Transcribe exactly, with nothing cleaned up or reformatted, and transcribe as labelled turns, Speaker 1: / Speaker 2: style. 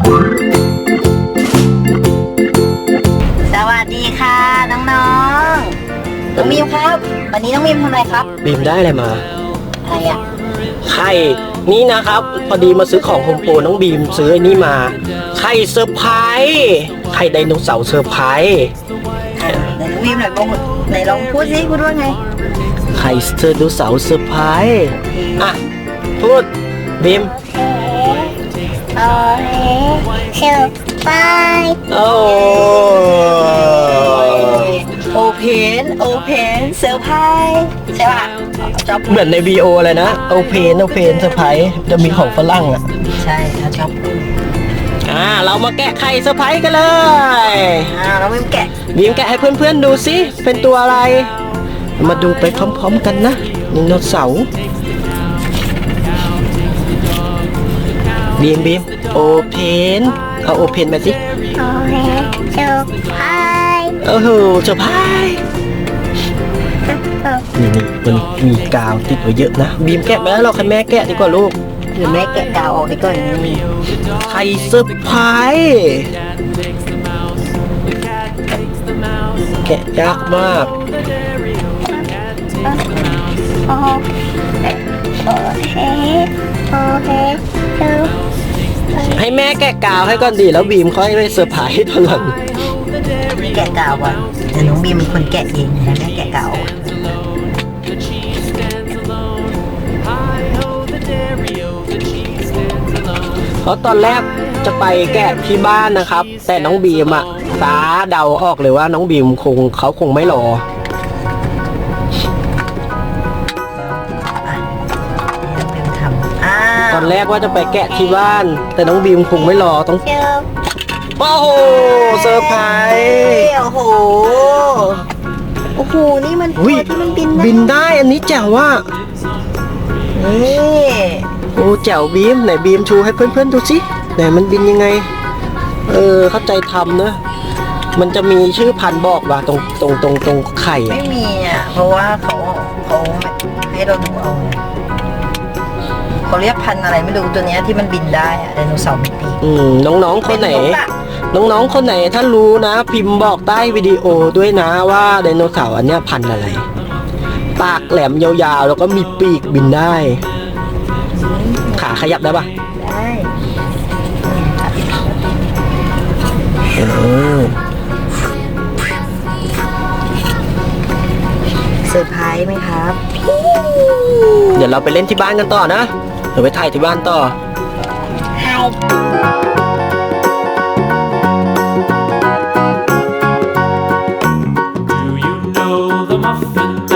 Speaker 1: สวัสดีค่ะน้องๆน้องมิมครับวันนี้น้องมิมทำอะไรครับ
Speaker 2: บีมได้อะไรมา
Speaker 1: อะไรอ่ะ
Speaker 2: ไข่นี่นะครับพอดีมาซื้อของโฮมโปรน้องบีมซื้อไอ้นี่มาไข่เซอร์ไพรส์ไข่ไดโนเสาร์เซอร์ไพรส์
Speaker 1: ไหนน้องมิมหน่อยบอกไหนลองพูดสิพูดว่าไง
Speaker 2: ไข่ไดโนเสาร์เซอร์ไพรส์อ่ะพูดบีม
Speaker 1: โอเคเซอร์ไพรส์
Speaker 2: โอ้
Speaker 1: โอเพนโอเพนเซอร์ไพรส์ใช่ป่ะชอบ
Speaker 2: เหมือนในวีโอเลยนะโอเพนโอเพนเซอร์ไพรส์จะมีของฝรั่งอ่ะ
Speaker 1: ใช่เขาชอบพูด
Speaker 2: อ่าเรามาแกะไข่เซอร์ไพรส์กันเลย
Speaker 1: อ่าน้องมิมแกะ
Speaker 2: บีมแกะให้เพื่อนๆดูสิเป็นตัวอะไร มาดูไปพร้อมๆกันนะไดโนเสาร์บีมบีมโอเพนเอาโอเพนมาสิ
Speaker 1: โอเคเซอร์ไพรส์
Speaker 2: โอ้โหเซอร์ไพรส์นี่นี่มันมีกาวติดไว้เยอะนะบีมแกะไปแล้วเราคันแม่แกะดีกว่าลูก
Speaker 1: หรือแม่แกะกาวออกดีก่อนนี่
Speaker 2: ไข่เซอร์ไพรส์แกะยากมาก
Speaker 1: โอโอเคโอเคเซอร์
Speaker 2: ให้แม่แกะกาวให้ก่อนดีแล้วบีมค่อยไปเซอร์ไพรส์ตอนหลัง
Speaker 1: แกะกาวก่อนแต่น้องบีมเป็นคนแกะเองนะแม่แกะกาว
Speaker 2: เพราะตอนแรกจะไปแกะที่บ้านนะครับ แต่น้องบีมอะตาเดาออกเลยว่าน้องบีมคงเขาคงไม่รอ
Speaker 1: เป็นทำอ่า
Speaker 2: ตอนแรกว่าจะไปแกะที่บ้าน แต่น้องบีมคงไม่รอต้อง
Speaker 1: เจอ
Speaker 2: โอ้โหเซอร์ไพรส์
Speaker 1: โอ้โหโอ้โหนี่มันตั
Speaker 2: อุ๊
Speaker 1: วย ที่มันบินได้
Speaker 2: บินได้อันนี้แจ๋วว่า
Speaker 1: นี่
Speaker 2: โอ้แจ๋วบีมไหนบีมชูให้เพื่อนๆดูสิไหนมันบินยังไง เออเข้าใจทำนะ มันจะมีชื่อพันธุ์บอกว่าตรงตรงตรงตรงไข่อะ
Speaker 1: ไม่มีอ่ะเพราะว่าเขาเขาให้เราดูเอาไงเขาเรียกพันธุ์อะไรไม่รู้ตัวเนี้ยที่มันบินได้อะไดโนเสาร์มีปีก
Speaker 2: อืมน้องๆคนไหน
Speaker 1: เป็นนกอะ
Speaker 2: น้องๆ คนไหนถ้ารู้นะ พิมพ์บอกใต้วิดีโอด้วยนะว่าไดโนเสาร์อันเนี้ยพันธุ์อะไร ปากแหลมยาวๆ แล้วก็มีปีกบินได้ ขาขยับได้ปะ
Speaker 1: ได้
Speaker 2: เออ
Speaker 1: เซอร์ไพรส์ไหมครับ
Speaker 2: เดี๋ยวเราไปเล่นที่บ้านกันต่อนะ เดี๋ยวไปถ่ายที่บ้านต่อ
Speaker 1: ไฮ
Speaker 3: Do you know the muffin